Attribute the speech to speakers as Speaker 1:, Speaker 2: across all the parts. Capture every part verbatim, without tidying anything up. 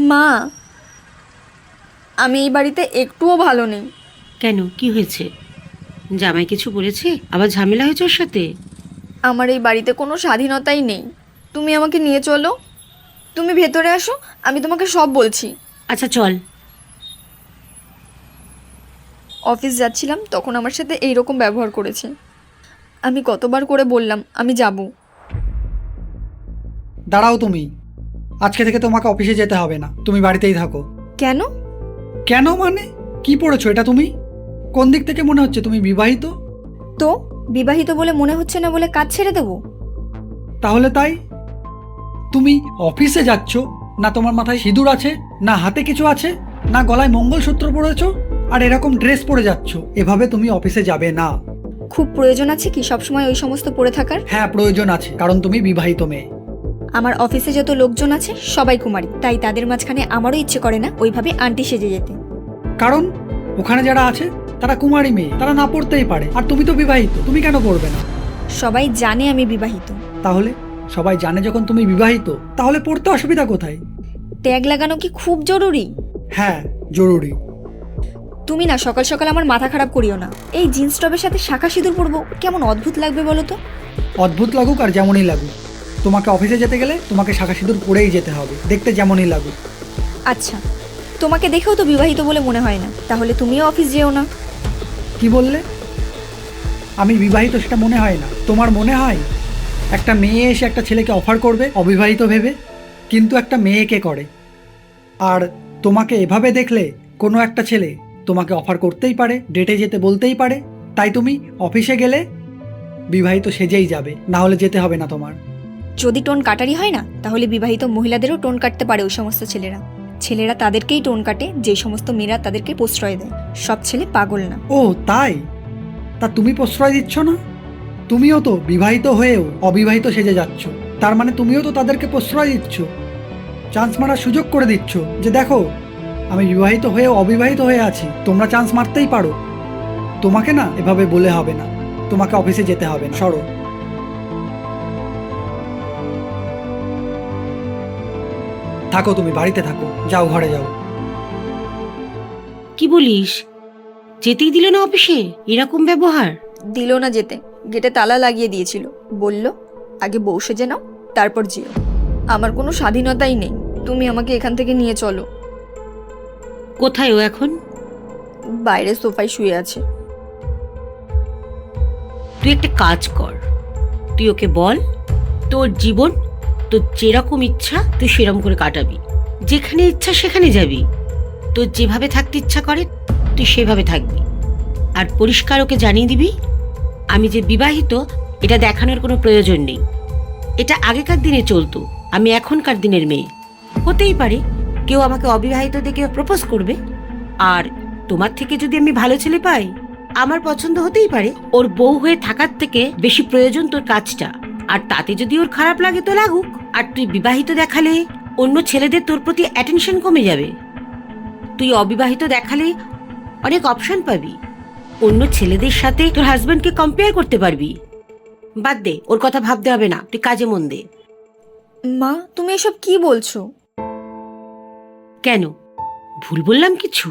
Speaker 1: মা, আমি এই বাড়িতে একটুও ভালো নেই।
Speaker 2: কেন, কি হয়েছে? জামাই কিছু বলেছে? আবার ঝামেলা হয়েছে ওর সাথে?
Speaker 1: আমার এই বাড়িতে কোনো স্বাধীনতাই নেই। তুমি আমাকে নিয়ে চলো, তুমি ভেতরে আসো, আমি তোমাকে সব বলছি।
Speaker 2: আচ্ছা চল।
Speaker 1: অফিস যাচ্ছিলাম তখন আমার সাথে এই রকম ব্যবহার করেছে। আমি কতবার করে বললাম আমি যাব।
Speaker 3: দাঁড়াও তুমি, আজকে থেকে তোমাকে অফিসে যেতে হবে না, তুমি বাড়িতেই থাকো।
Speaker 1: কেন?
Speaker 3: কেন মানে? কি পড়েছো এটা তুমি? কোন দিক থেকে মনে হচ্ছে তুমি বিবাহিত?
Speaker 1: তো বিবাহিত বলে মনে হচ্ছে না বলে কাজ ছেড়ে দেবো?
Speaker 3: তাহলে তাই? তুমি অফিসে যাচ্ছ না, তোমার মাথায় সিঁদুর আছে, না হাতে কিছু আছে, না গলায় মঙ্গলসূত্র পরেছো, আর এরকম ড্রেস পরে যাচ্ছ। এভাবে তুমি অফিসে যাবে না।
Speaker 1: খুব প্রয়োজন আছে কি সবসময় ওই সমস্ত পরে থাকার?
Speaker 3: হ্যাঁ প্রয়োজন আছে, কারণ তুমি বিবাহিত মেয়ে।
Speaker 1: আমার অফিসে যত লোকজন আছে সবাই কুমারী, তাই তাদের মাঝখানে আমারও ইচ্ছে করে না ওইভাবে আন্টি সেজে যেতে।
Speaker 3: কারণ ওখানে যারা আছে তারা কুমারী মেয়ে, তারা না পড়তেই পারে, আর তুমি তো বিবাহিত, তুমি কেন পড়বে না?
Speaker 1: সবাই জানে আমি বিবাহিত।
Speaker 3: তাহলে সবাই জানে যখন তুমি বিবাহিত, তাহলে পড়তে অসুবিধা কোথায়?
Speaker 1: ট্যাগ লাগানো কি খুব জরুরি?
Speaker 3: হ্যাঁ জরুরি।
Speaker 1: তুমি না সকাল সকাল আমার মাথা খারাপ করিও না। এই জিন্স টপের সাথে শাঁখা সিঁদুর পরবো, কেমন অদ্ভুত লাগবে বলো তো?
Speaker 3: অদ্ভুত লাগুক আর যেমনই লাগুক, তোমাকে অফিসে যেতে গেলে তোমাকে শাঁখা সিঁদুর পরেই যেতে হবে, দেখতে যেমনই লাগুক।
Speaker 1: আচ্ছা, তোমাকে দেখেও তো বিবাহিত বলে মনে হয় না, তাহলে তুমিও অফিস যেও না।
Speaker 3: কি বললে? আমি বিবাহিত সেটা মনে হয় না? তোমার মনে হয় একটা মেয়ে এসে একটা ছেলেকে অফার করবে অবিবাহিত ভেবে? কিন্তু একটা মেয়েকে করে। আর তোমাকে এভাবে দেখলে কোনো একটা ছেলে তোমাকে অফার করতেই পারে, ডেটে যেতে বলতেই পারে। তাই তুমি অফিসে গেলে বিবাহিত সেজেই যাবে, না হলে যেতে হবে না তোমার।
Speaker 1: যদি টোন কাটারি হয় না, তাহলে বিবাহিত মহিলাদেরও টোন কাটতে পারে ওই সমস্ত ছেলেরা। ছেলেরা তাদেরকেই টোন কাটে যে সমস্ত মেয়েরা তাদেরকে প্রশ্রয় দেয়। সব ছেলে পাগল না।
Speaker 3: ও তাই? তা তুমি প্রশ্রয় দিচ্ছ না? তুমিও তো বিবাহিত হয়েও অবিবাহিত সেজে যাচ্ছ, তার মানে তুমিও তো তাদেরকে প্রশ্রয় দিচ্ছ, চান্স মারার সুযোগ করে দিচ্ছ, যে দেখো আমি বিবাহিত হয়েও অবিবাহিত হয়ে আছি, তোমরা চান্স মারতেই পারো। তোমাকে না এভাবে বলে হবে না, তোমাকে অফিসে যেতে হবে না, সরো। থাকো, তুমি বাড়িতে থাকো, যাও ঘরে যাও।
Speaker 2: কি বলিস? যেতেই দিল না অফিসে? এরকম ব্যবহার?
Speaker 1: দিল না যেতে, গেটে তালা লাগিয়ে দিয়েছিল। বলল আগে বউ সেজে নাও, তারপর যেও। আমার কোনো স্বাধীনতাই নেই, তুমি আমাকে এখান থেকে নিয়ে চলো।
Speaker 2: কোথায় ও এখন?
Speaker 1: বাইরে সোফায় শুয়ে আছে।
Speaker 2: তুই একটা কাজ কর, তুই ওকে বল তোর জীবন তোর যেরকম ইচ্ছা তুই সেরকম করে কাটাবি, যেখানে ইচ্ছা সেখানে যাবি, তোর যেভাবে থাকতে ইচ্ছা করে তুই সেভাবে থাকবি। আর পরিষ্কার ওকে জানিয়ে দিবি আমি যে বিবাহিত এটা দেখানোর কোনো প্রয়োজন নেই। এটা আগেকার দিনে চলতো, আমি এখনকার দিনের মেয়ে। হতেই পারে কেউ আমাকে অবিবাহিত দেখে প্রপোজ করবে, আর তোমার থেকে যদি আমি ভালো ছেলে পাই আমার পছন্দ হতেই পারে। ওর বউ হয়ে থাকার থেকে বেশি প্রয়োজন তোর কাজটা, আর তাতে যদি ওর খারাপ লাগে তো লাগুক। আর তুই বিবাহিত দেখালে অন্য ছেলেদের তোর প্রতি অ্যাটেনশন কমে যাবে। তুই অবিবাহিত দেখালে অনেক অপশন পাবি, অন্য ছেলেদের সাথে তোর হাজবেন্ডকে কম্পেয়ার করতে পারবি। বাদ দে, ওর কথা ভাবতে হবে না, তুই কাজে মন দে।
Speaker 1: মা, তুমি এসব কি বলছো?
Speaker 2: কেন, ভুল বললাম কিছু?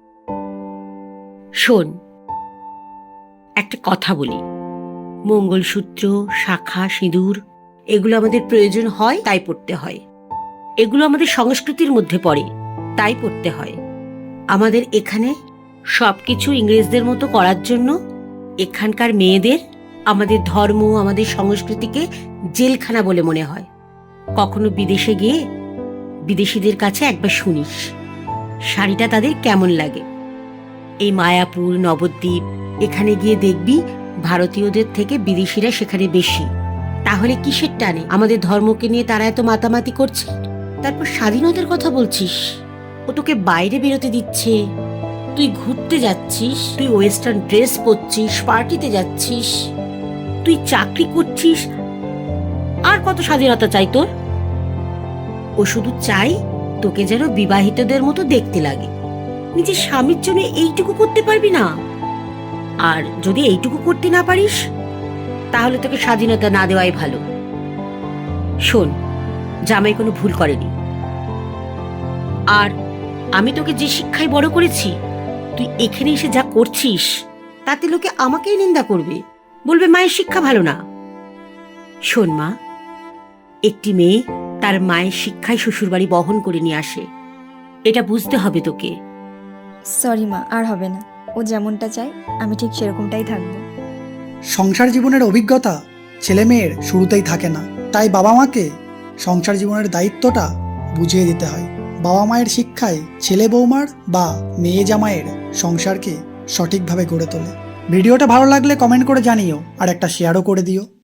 Speaker 2: শোন, একটা কথা বলি, মঙ্গলসূত্র, শাখা, সিঁদুর এগুলো আমাদের প্রয়োজন হয় তাই পড়তে হয়। এগুলো আমাদের সংস্কৃতির মধ্যে পড়ে তাই পড়তে হয়। আমাদের এখানে সবকিছু ইংরেজদের মতো করার জন্য এখানকার মেয়েদের আমাদের ধর্ম, আমাদের সংস্কৃতিকে জেলখানা বলে মনে হয়। কখনো বিদেশে গিয়ে বিদেশিদের কাছে একবার শুনিস শাড়িটা তাদের কেমন লাগে। এই মায়াপুর, নবদ্বীপ এখানে গিয়ে দেখবি ভারতীয়দের থেকে বিদেশিরা সেখানে বেশি। তাহলে কিসের টানে আমাদের ধর্মকে নিয়ে তারা এত মাতামাতি করছে? তারপর স্বাধীনতার কথা বলছিস? ও তোকে বাইরে বেরোতে দিচ্ছে, তুই ঘুরতে যাচ্ছিস, তুই ওয়েস্টার্ন ড্রেস পরছিস, পার্টিতে যাচ্ছিস, তুই চাকরি করছিস, আর কত স্বাধীনতা চাই তোর? ও শুধু চাই তোকে যেন বিবাহিতদের মতো দেখতে লাগে। নিজের স্বামীর জন্য এইটুকু করতে পারবি না? আর যদি এইটুকু করতে না পারিস তাহলে তোকে স্বাধীনতা না দেওয়াই ভালো। শোন, জামাই কোনো ভুল করেনি, আর আমি তোকে যে শিক্ষায় বড় করেছি, তুই এখানে এসে যা করছিস তাতে লোকে আমাকেই নিন্দা করবে, বলবে মায়ের শিক্ষা ভালো না। শোন মা, একটি মেয়ে তার মায়ের শিক্ষায় শ্বশুরবাড়ি বহন করে নিয়ে আসে, এটা বুঝতে হবে তোকে।
Speaker 1: সরি মা, আর হবে না। ও যেমনটা চায় আমি ঠিক সেরকমটাই থাকবো।
Speaker 3: সংসার জীবনের অভিজ্ঞতা ছেলে মেয়ের শুরুতেই থাকে না, তাই বাবা মাকে সংসার জীবনের দায়িত্বটা বুঝিয়ে দিতে হয়। বাবা মায়ের শিক্ষায় ছেলে বৌমার বা মেয়ে জামাইয়ের সংসারকে সঠিকভাবে গড়ে তোলে। ভিডিওটা ভালো লাগলে কমেন্ট করে জানিও আর একটা শেয়ারও করে দিও।